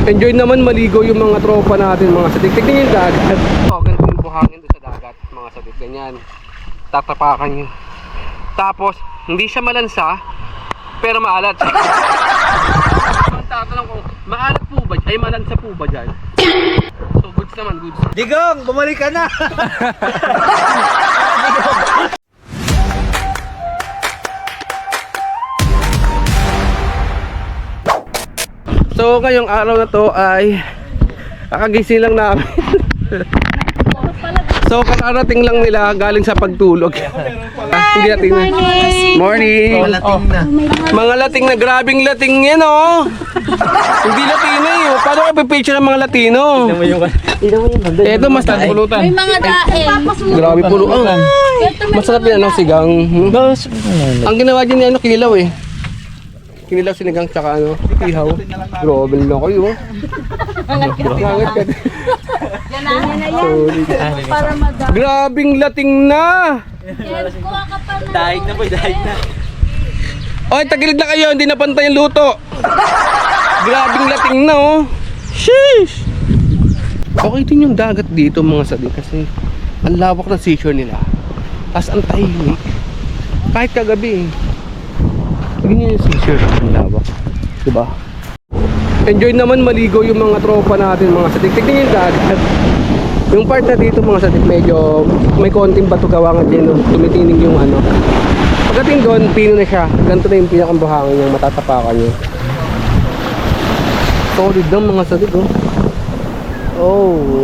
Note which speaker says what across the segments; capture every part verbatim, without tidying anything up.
Speaker 1: Enjoy naman maligo yung mga tropa natin, mga sadik. Tignan yung dagat. Oh, ganito yung buhangin doon sa dagat, mga sadik. Ganyan. Tatapakan nyo. Tapos, hindi siya malansa, pero maalat. Ang tatanong ko, maalat po ba? Ay, malansa po ba dyan? So, goods naman, goods.
Speaker 2: Digong, bumalik ka na!
Speaker 1: So ngayong araw na to ay kakagising lang namin. So kararating lang nila galing sa pagtulog. Ah, hindi natin na. Morning.
Speaker 2: Oh, lating na.
Speaker 1: Mga lating na, grabing lating yan oh. Hindi Latino eh. Paano kayo pipicture ng mga Latino? Ito mas pulutan.
Speaker 3: May mga daing.
Speaker 1: Grabe pulutan. Masarap yan ano, sigang. Ang ginawa dyan ni ano, kinilaw eh. Kinilaw, sinigang, tsaka ano, ihaw. Grabe lang kayo. Angat ka.
Speaker 3: Yan na, yan na yan. Para madami.
Speaker 1: Grabing lating na!
Speaker 3: Yes, kuha ka pa na.
Speaker 2: Dahig na boy, dahig na.
Speaker 1: Oy, tagilid na kayo, hindi na pantay yung luto. Grabing lating na oh. Sheesh! Okay din yung dagat dito mga sadik kasi ang lawak ng seashore nila. Tapos ang tahimik. Kahit kagabi eh. Tingnan yung seashore, ang lawak. Diba? Enjoy naman maligo yung mga tropa natin, mga sadik. Tignan yung dagat. Yung part na dito mga sadik, medyo may konting bato gawangan din. No? Tumitinig yung ano. Pagdating doon, pino na siya. Ganito na yung pinakambuhangin yung matatapakan nyo. Solid lang mga sadik. Oh. Oh.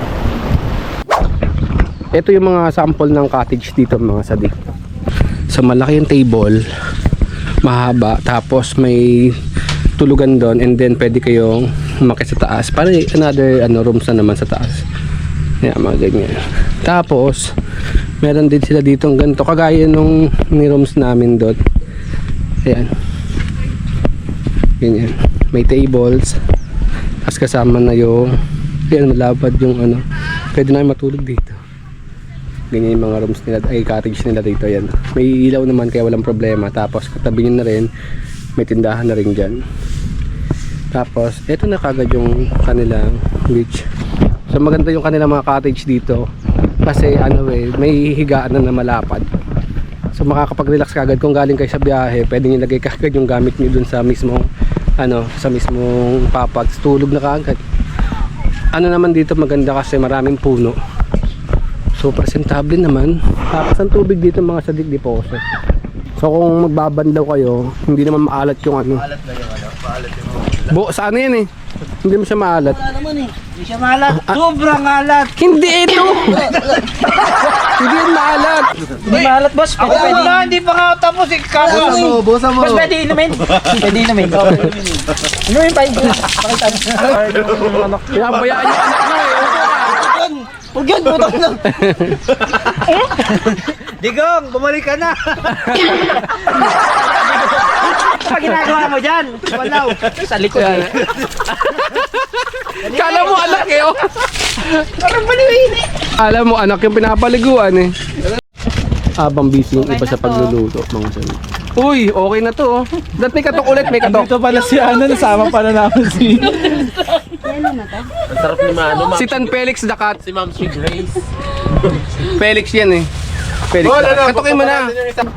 Speaker 1: Ito yung mga sample ng cottage dito mga sadik. So malaki yung table, mahaba, tapos may tulugan doon, and then pwede kayong umakyat sa taas para another ano, rooms na naman sa taas. Yan, mga ganyan. Tapos meron din sila dito ng ganito kagaya nung ni rooms namin doon. Ayan, ganyan, may tables, tapos kasama na yung yan, malapad yung ano, pwede na matulog dito. Ganyan yung mga rooms nila, ay cottage nila dito. Yan, may ilaw naman kaya walang problema. Tapos katabi nyo na rin, may tindahan na rin dyan. Tapos eto na kagad yung kanilang beach. So maganda yung kanilang mga cottage dito kasi ano eh, may higaan na na malapad. So makakapag-relax kagad kung galing kayo sa biyahe. Pwede nyo lagay kagad yung gamit nyo dun sa mismong ano, sa mismong papag. Tulog na kagad. Ano naman dito maganda kasi maraming puno. So presentable naman. Tapos ang tubig dito mga sadik, di poso. So kung magbabandaw kayo, hindi naman maalat yung ano.
Speaker 2: Maalat na yung ano, maalat yung ano.
Speaker 1: Bo, sa ano yan eh? Hindi mo siya maalat.
Speaker 2: Wala naman eh. Hindi siya maalat. Sobrang alat.
Speaker 1: Hindi ito! Hindi yan maalat.
Speaker 2: Hindi maalat boss. Pwede pwede. Wala, hindi pa nga tapos eh. Bosa mo, bosa mo. Boss, pwede inumin. Pwede inumin. Inumin pa. Pakita mo.
Speaker 1: Pinabayaan yung anak mo eh.
Speaker 2: Huwag yan, butang lang. Digong, bumalik ka na. Ano ginagawa mo dyan? Walaw. Sa likod eh.
Speaker 1: Kala mo anak eh oh.
Speaker 2: Parang baliwin eh.
Speaker 1: Kala mo anak yung pinapaliguan eh. Habang busy yung iba sa pagluluto mga sabi. Uy, okay na to oh. Dapat may katok ulit, may katok.
Speaker 4: Dito pala si Ana, nasama pala namin si...
Speaker 2: Ang sarap ni Mano.
Speaker 1: Si Tan Felix Dakat.
Speaker 2: Si Ma'am si Grace.
Speaker 1: Felix yan eh. Felix Dakat. Katokin mo na.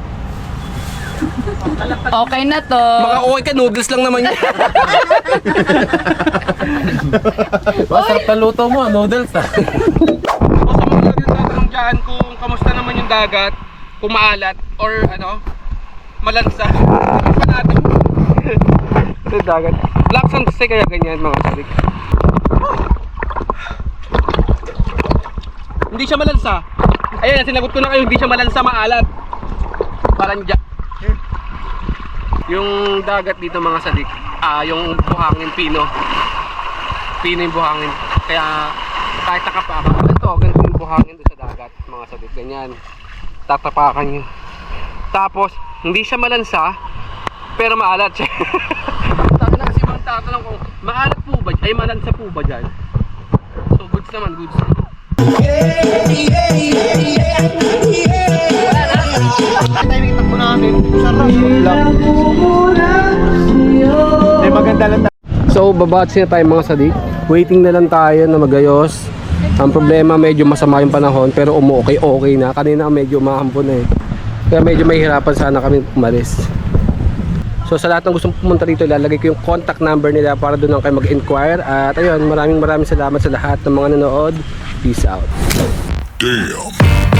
Speaker 3: Okay na to.
Speaker 1: Baka okay ka, noodles lang naman yan.
Speaker 4: Masarap na luto mo, noodles ah.
Speaker 1: O sa mga nagtatanong dyan kung kamusta naman yung dagat, kung maalat or ano, malansa. Ano pa natin? Sa dagat. Black sand kasi kaya ganyan mga sadik. Hindi siya malansa. Ayan, sinagot ko na kayo, hindi siya malansa, maalat. Parang dyan. Yung dagat dito mga sadik, ah, yung buhangin pino. Pino yung buhangin. Kaya kahit nakapaka, ganito, ganito yung buhangin doon sa dagat mga sadik. Ganyan. Tatapakan nyo. Tapos, hindi siya malansa, pero maalat siya. Sabi na kasi bang tatanong kung maalat po ba? Ay malansa po ba dyan? So goods naman, goods.
Speaker 2: Timing takbo natin. Sarap lang.
Speaker 4: Hindi maganda lang.
Speaker 1: So babatch na tayo mga sadik. Waiting na lang tayo na magayos. Ang problema medyo masama yung panahon pero umu-okay okay na. Kanina medyo mahambon na eh. Kaya medyo mahihirapan sana kami umalis. So sa lahat ng gustong pumunta rito, ilalagay ko yung contact number nila para doon lang kayo mag-inquire. At ayun, maraming maraming salamat sa lahat ng mga nanood. Peace out.
Speaker 5: Damn.